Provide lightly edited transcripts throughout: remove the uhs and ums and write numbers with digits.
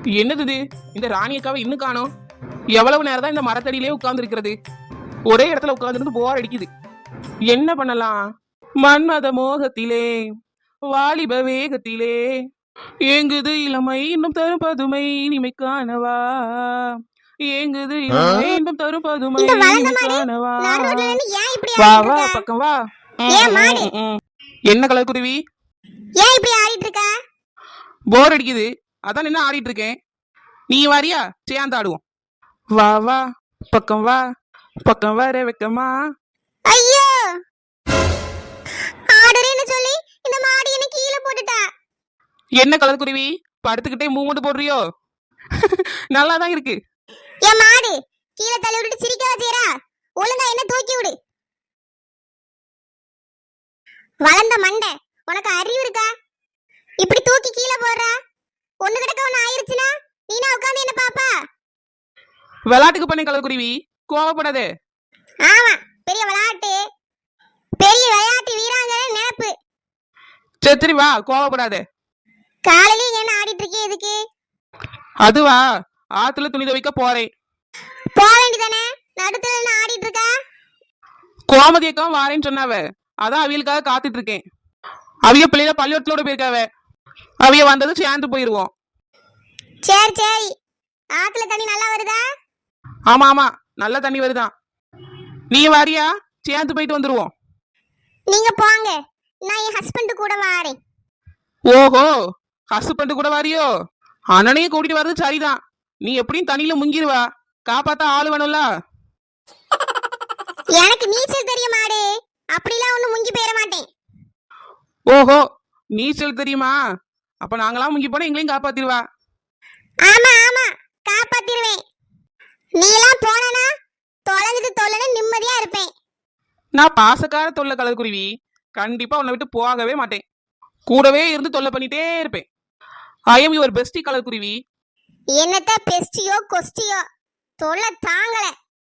என்னது இது? இந்த ராணி அக்காவை இன்னும் காணோம். எவ்வளவு நேரம் தான் இந்த மரத்தடியிலே உட்கார்ந்து இருக்கிறது? ஒரே இடத்துல உட்கார்ந்துருந்து போர் அடிக்குது. என்ன பண்ணலாம்? மன்மத மோகத்திலே வாலிப வேகத்திலே ஏங்குது இளமை இன்னும் தரும் பதுமை இனிமை காணவா. ஏங்குது இளமை இன்னும் தரும் பதுமை இனிமை காணவா. வா வா பக்கம் வா. என்ன கலர் குருவி? ஏன் இப்படி ஆடிட்டு இருக்க? போர் அடிக்குது, அதான் என்ன ஆடிட்டு இருக்கேன். நீ வாரியா? சேர்ந்து ஆடுவோம். வா வா பக்கம் வா, பக்கம் வர வெக்கமா. ஐயோ, ஆடுறேன்னு சொல்லி இந்த மாடி என்ன கீழே போட்டுட்டா. என்ன கலர் குருவி? படுத்துக்கிட்டே மூவ்மெண்ட் போடுறியோ? நல்லா தான் இருக்கு. ஏன் மாடு கீழே தள்ளி விட்டுட்டு சிரிக்க வச்சீரா? ஒழுங்கா என்ன தூக்கி விடு. வளர்ந்த மண்டை, உனக்கு அறிவு இருக்கா? இப்படி தூக்கி கீழே போடுறா. ஒண்ணு கிடக்க ஒண்ணு ஆயிருச்சுன்னா நீனா உட்கார்ந்து என்ன பாப்பா? விளையாட்டுக்கு பண்ணி கலர் குருவி, கோவப்படாதே. ஆமா, பெரிய விளையாட்டு, பெரிய விளையாட்டு வீராங்கனை நினைப்பு. சரி வா, கோவப்படாதே. காலையில என்ன ஆடிட்டு இருக்கே எதுக்கு? அதுவா, ஆத்துல துணி துவைக்க போறேன். போக வேண்டியதானே, நடுத்துல என்ன ஆடிட்டு இருக்கா? கோமதி அக்காவும் வாரேன்னு சொன்னாவ, அதான் அவியலுக்காக காத்துட்டு இருக்கேன். அவிய பிள்ளைல பள்ளியோட்டத்தோட போயிருக்காவ, அவிய வந்ததும் சேர்ந்து போயிருவோம். சரி சரி, ஆத்துல தண்ணி நல்லா வருதா? ஆமா ஆமா, நல்ல தண்ணி வருதான். நீ வாரியா? சேர்ந்து போயிட்டு வந்துருவோம். நீங்க போங்க, நான் என் ஹஸ்பண்ட் கூட வாரேன். ஓஹோ, ஹஸ்பண்ட் கூட வாரியோ? அண்ணனையும் கூட்டிட்டு வர்றது சரிதான். நீ எப்படியும் தண்ணியில முங்கிருவா, காப்பாத்தா ஆளு வேணும்ல. எனக்கு நீச்சல் தெரியும் மாடு, அப்படிலாம் ஒண்ணு முங்கி போயிட மாட்டேன். ஓஹோ, நீச்சல் தெரியுமா? அப்ப நாங்களாம் முங்கி போனா எங்களையும் காப்பாத்திருவா. ஆமா ஆமா, காப்பாத்திடுவேன். நீ எல்லாம் போனா தொலைஞ்சது தொல்லன நிம்மதியா இருப்பேன். நான் பாசக்கார தொல்லை கலர் குருவி, கண்டிப்பா உன்னை விட்டு போகவே மாட்டேன். கூடவே இருந்து தொல்லை பண்ணிட்டே இருப்பேன். I am your bestie colour குருவி. என்னத்த பெஸ்டியோ கொஸ்டியோ, தொல்லை தாங்கல.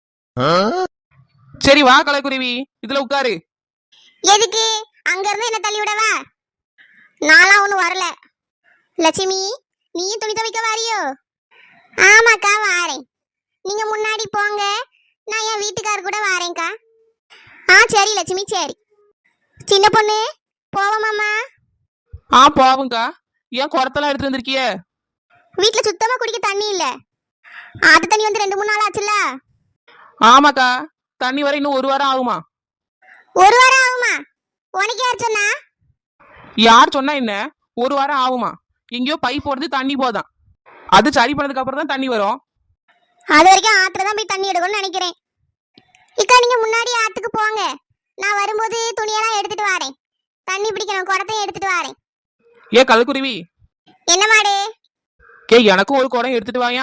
சரி வா கலர் குருவி, இதுல உட்காரு. எதுக்கு? அங்க இருந்து என்ன தள்ளி விடவா? நான்லாம் ஒண்ணு வரல. லட்சுமி, நீயும் துணி துவைக்க வாரியோ? ஆமாக்கா வாரேன். நீங்க முன்னாடி போங்க, நான் என் வீட்டுக்காரர் கூட வாரேன்க்கா. சரி லட்சுமி சரி. சின்ன பொண்ணு போவோமாம்மா? போவுங்கா. ஏன் குடத்தெல்லாம் எடுத்து வந்திருக்கிய? வீட்டுல சுத்தமா குடிக்க தண்ணி இல்ல. ஆத்து தண்ணி வந்து 2-3 நாள் ஆச்சுல்ல. ஆமாக்கா, தண்ணி வர இன்னும் 1 வாரம் ஆகுமா? 1 வாரம் ஆகுமா? உனக்கு யார் சொன்னா? யார் சொன்னா என்ன? 1 வாரம் ஆகுமா? எங்கேயோ பைப் போடுறது தண்ணி போதான், அது சரி பண்ணதுக்கு அப்புறம் தான் தண்ணி வரும். அது வரைக்கும் ஆத்துல தான் போய் தண்ணி எடுக்கணும்னு நினைக்கிறேன். இக்கா நீங்க முன்னாடி ஆத்துக்கு போங்க, நான் வரும்போது துணியெல்லாம் எடுத்துட்டு வரேன். தண்ணி பிடிக்கணும், குடத்தையும் எடுத்துட்டு வரேன். ஏ கலக்குருவி, என்ன மாடு? எனக்கும் ஒரு குடம் எடுத்துட்டு வாயா.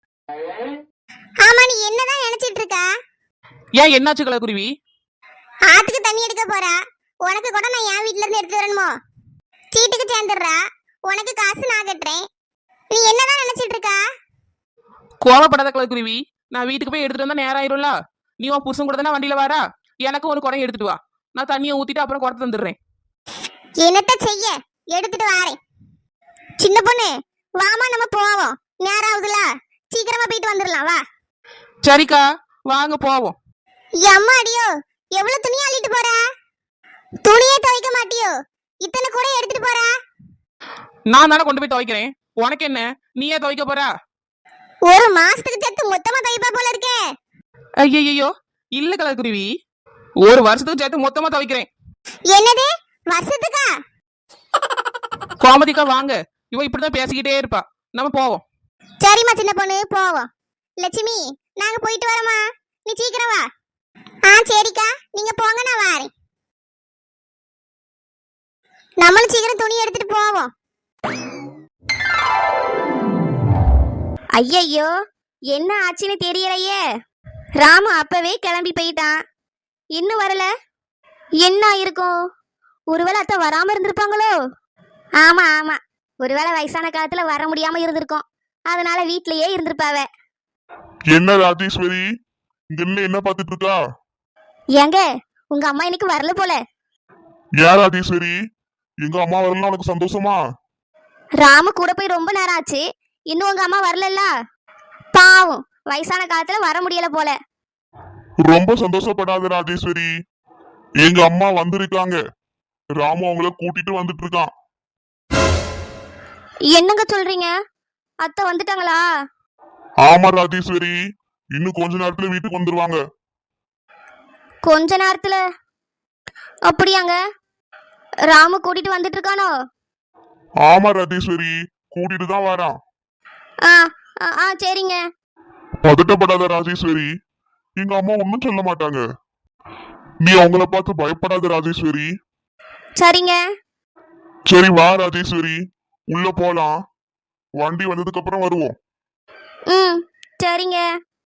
ஆமா, நீ என்னதான் நினைச்சிட்டு இருக்கா? ஏன் என்னாச்சு கலக்குருவி? ஆத்துக்கு தண்ணி எடுக்க போறா, உனக்கு கூட நான் என் வீட்ல இருந்து எடுத்து வரணுமோ? சீட்டுக்கு சேர்ந்துடுறா, உனக்கு காசு நான் கட்டுறேன். நீ என்னதான் நினைச்சிட்டு இருக்கா? கோவப்படாத கலக்குருவி, நான் வீட்டுக்கு போய் எடுத்துட்டு வந்தா நேரம் ஆயிரும்ல. நீ உன் புருஷன் கூட தானே வண்டியில வாரா, எனக்கு ஒரு குடம் எடுத்துட்டு வா. நான் தண்ணியை ஊத்திட்டு அப்புறம் குடத்தை தந்துடுறேன். என்னத்த செய்ய, எடுத்துட்டு வாரேன். சின்ன பொண்ணு வாமா, நம்ம போவோம். நேரம் ஆகுதுல, சீக்கிரமா போயிட்டு வந்துடலாம் வா. சரிக்கா, வாங்க போவோம். அம்மா அடியோ, எவ்வளவு துணி அள்ளிட்டு போறா? துணியே துவைக்க மாட்டியோ? இத்தனை கூட எடுத்துட்டு போறா? நான் தானே கொண்டு போய் துவைக்கிறேன், உனக்கு என்ன? நீயே துவைக்க போறா? ஒரு மாசத்துக்கு சேர்த்து மொத்தமா துவைப்பா போல இருக்கே. ஐயோ இல்ல கலக்குருவி, 1 வருஷத்துக்கு சேர்த்து மொத்தமா துவைக்கிறேன். என்னது, வருஷத்துக்கா? கோமதிக்கா வாங்க, இவ இப்படிதான் பேசிக்கிட்டே இருப்பா. நம்ம போவோம். சரிம்மா சின்ன பொண்ணு போவோம். லட்சுமி, நாங்க போயிட்டு வரோமா, நீ சீக்கிரம் வா. சரிக்கா, நீங்க போங்க, நான் வாரேன். நம்மளும் சீக்கிரம் துணி எடுத்துட்டு போவோம். ஐயையோ, என்ன ஆச்சுன்னு தெரியலையே. ராமு அப்பவே கிளம்பி போயிட்டான், இன்னும் வரல. என்ன இருக்கும்? ஒருவேளை அத்தை வராம இருந்திருப்பாங்களோ? ஆமா ஆமா, ஒருவேளை வயசான காலத்துல வர முடியாம இருந்திருக்கும், அதனால வீட்லயே இருந்திருப்பாவ. என்ன ராஜேஸ்வரி, இங்க என்ன பாத்துட்டு இருக்கா? ஏங்க, உங்க அம்மா இன்னைக்கு வரல போல. ஏன் ராஜேஸ்வரி, எங்க அம்மா வரலாம் உனக்கு சந்தோஷமா? ராமு கூட போய் ரொம்ப நேரம் ஆச்சு, இன்னும் உங்க அம்மா வரலல்ல? பாவம், வயசான காலத்துல வர முடியல போல. ரொம்ப சந்தோஷப்படாத ராஜேஸ்வரி. எங்க அம்மா வந்திருக்காங்க. ராமு அவங்கள கூட்டிட்டு வந்துட்டு இருக்கான். என்னங்க சொல்றீங்க? அத்தை வந்துட்டாங்களா? ஆமா ராஜேஸ்வரி, இன்னும் கொஞ்ச நேரத்துல வீட்டுக்கு வந்துருவாங்க. கொஞ்ச நேரத்துல? அப்படியாங்க? ராமு கூட்டிட்டு வந்துட்டு இருக்கானோ? ஆமா ராஜேஸ்வரி, கூட்டிட்டு தான் வரான். ஆ ஆ, ஆ சரிங்க. பதட்டப்படாத ராஜேஸ்வரி, எங்க அம்மா ஒன்னும் சொல்ல மாட்டாங்க. நீ அவங்கள பார்த்து பயப்படாத ராஜேஸ்வரி. சரிங்க. சரி வா ராஜேஸ்வரி, உள்ள போலாம். வண்டி வந்ததுக்கு அப்புறம் வருவோம். ம் சரிங்க.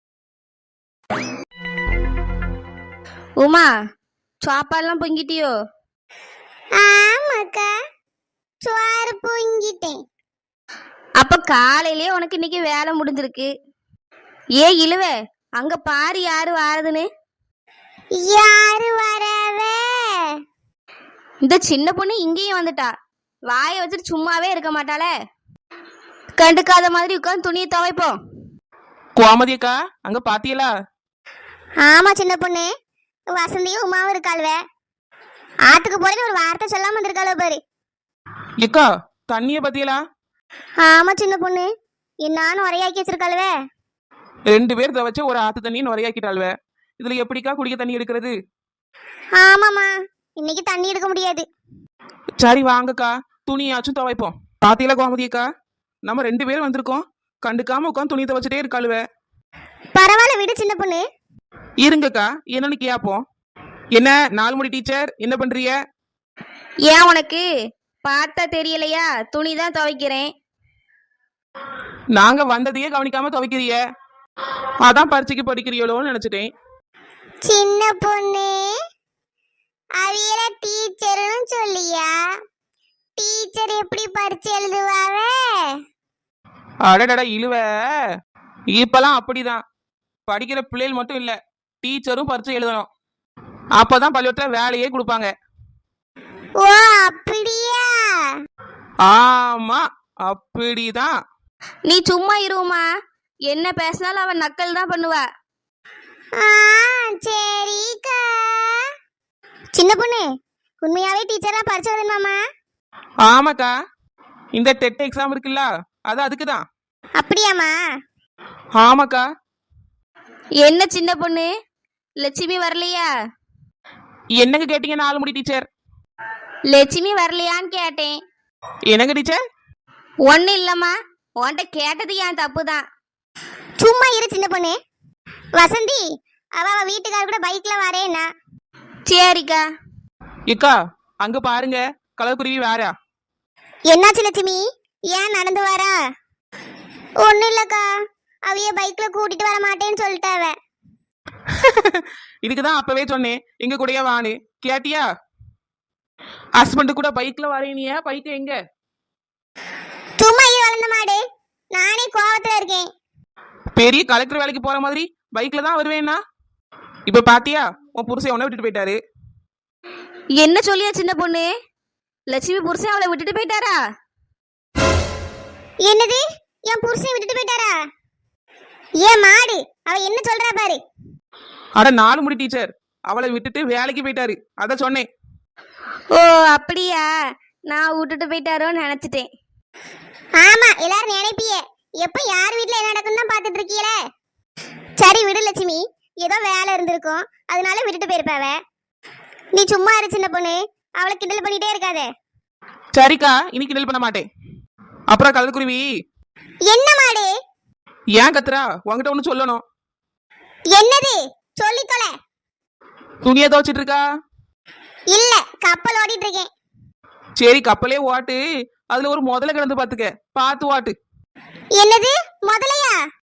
உமா, சாப்பாடுலாம் பொங்கிட்டியோ? ஆமாக்கா, சோறு பொங்கிட்டேன். அப்ப காலையிலேயே உனக்கு இன்னைக்கு வேலை முடிஞ்சிருக்கு. ஏ இழுவ, அங்க பாரு யாரு வாரதுன்னு. யாரு வரவே? இந்த சின்ன பொண்ணு இங்கேயும் வந்துட்டா. வாயை வச்சுட்டு சும்மாவே இருக்க மாட்டாளே. கண்டுக்காத மாதிரி உட்காந்து துணியை துவைப்போம். கோமதி அக்கா, அங்க பாத்தியலா? ஆமா சின்ன பொண்ணு, வசந்தியும் உமாவும் இருக்காளுவ. ஆத்துக்கு போறேன்னு ஒரு வார்த்தை சொல்லாம வந்திருக்காளோ பாரு. எக்கா, தண்ணிய பாத்தியலா? ஆமா சின்ன பொண்ணு, என்னான்னு உரையாக்கி வச்சிருக்காளுவ. 2 பேர் துவைச்சு ஒரு ஆத்து தண்ணி நுரையாக்கிட்டாள்வ. இதுல எப்படிக்கா குடிக்க தண்ணி எடுக்கிறது? ஆமாமா, இன்னைக்கு தண்ணி எடுக்க முடியாது. சரி வாங்கக்கா, துணியாச்சும் துவைப்போம். பாத்தியலா கோமதி அக்கா, நம்ம 2 பேரும் வந்திருக்கோம். கண்டுக்காம உட்காந்து துணி துவைச்சிட்டே இருக்காளுவ. பரவாயில்ல விடு சின்ன பொண்ணு. இருங்கக்கா, என்னன்னு கேப்போம். என்ன நாலுமுடி டீச்சர், என்ன பண்றீங்க? ஏன் உனக்கு பார்த்தா தெரியலையா? துணி தான் துவைக்கிறேன். நாங்க வந்ததையே கவனிக்காம துவைக்கிறீங்க. அதான் பரீட்சைக்கு படிக்கிறீங்களோன்னு நினைச்சிட்டேன். சின்ன பொண்ணு, அவியல டீச்சர்னு சொல்லியா? டீச்சர் எப்படி பரிச்சு எழுதுவாவே? அடடட இழுவ, இப்பெல்லாம் அப்படிதான். படிக்கிற பிள்ளைகள் மட்டும் இல்ல, டீச்சரும் பரீட்சை எழுதணும். அப்பதான் பள்ளிக்கூடத்துல வேலையே கொடுப்பாங்க. ஓ அப்படியா? ஆமா, அப்படிதான். நீ சும்மா இருமா, என்ன பேசினாலும் அவன் நக்கல் தான் பண்ணுவா. சரிக்கா. சின்ன பொண்ணு, உண்மையாவே டீச்சரா பரிச்சை எழுதணுமாமா? ஆமாக்கா, இந்த டெட் எக்ஸாம் இருக்குல்ல, அது அதுக்குதான். அப்படியாமா? ஆமாக்கா. என்ன சின்ன பொண்ணு, லட்சுமி வரலையா? என்னங்க கேட்டீங்க நாலுமுடி டீச்சர்? லட்சுமி வரலையான்னு கேட்டேன். என்னங்க டீச்சர்? ஒன்னும் இல்லம்மா, உன்கிட்ட கேட்டது என் தப்பு தான். சும்மா இரு சின்ன பொண்ணு. வசந்தி, அவ வீட்டுக்கார கூட பைக்ல வரேன்னா. சரிக்கா. இக்கா, அங்க பாருங்க, கலர்குருவி வேறா. என்னாச்சு லட்சுமி, ஏன் நடந்து வரா? ஒன்னும் இல்லக்கா, அவைய பைக்ல கூட்டிட்டு வர மாட்டேன்னு சொல்லிட்டாவ. இதுக்குதான் அப்பவே சொன்னேன், எங்க கூடயே வான்னு. கேட்டியா? ஹஸ்பண்ட் கூட பைக்ல வரேனியா? பைக் எங்க? சும்மா இரு வளர்ந்த மாடு, நானே கோவத்துல இருக்கேன். பெரிய கலெக்டர் வேலைக்கு போற மாதிரி பைக்ல தான் வருவேன்னா, இப்ப பாத்தியா உன் புருஷன் உன்னை விட்டுட்டு போயிட்டாரு. என்ன சொல்லியா சின்ன பொண்ணு? லட்சுமி புருஷன் அவளை விட்டுட்டு போயிட்டாரா? என்னது, என் புருஷன் விட்டுட்டு போயிட்டாரா? ஏன் மாடு, அவ என்ன சொல்றா பாரு. அட நாலுமுடி டீச்சர், அவளை விட்டுட்டு வேலைக்கு போயிட்டாரு, அத சொன்னேன். ஓ அப்படியா, நான் விட்டுட்டு போயிட்டாரோன்னு நினைச்சிட்டேன். ஆமா, எல்லாரும் நினைப்பிய எப்ப யார் வீட்டுல என்ன நடக்குன்னு தான் பாத்துட்டு இருக்கீங்களே. சரி விடு லட்சுமி, ஏதோ வேலை இருந்திருக்கும், அதனால விட்டுட்டு போயிருப்பாவ. நீ சும்மா இரு சின்ன பொண்ணு, அவளை கிண்டல் பண்ணிட்டே இருக்காதே. சரிக்கா, இன்னைக்கு கிண்டல் பண்ண மாட்டேன். அப்புறம் கலர்குருவி, என்ன மாடு? ஏன் கத்துறா? உன்கிட்ட ஒண்ணு சொல்லணும். என்னது? சொல்லி தொலை. துணியை துவைச்சிட்டு இருக்கா? இல்ல, கப்பல் ஓடிட்டு இருக்கேன். சரி, கப்பலே ஓட்டு. அதுல ஒரு முதல்ல கிடந்து பாத்துக்க, பார்த்து ஓட்டு. என்னது முதலையா?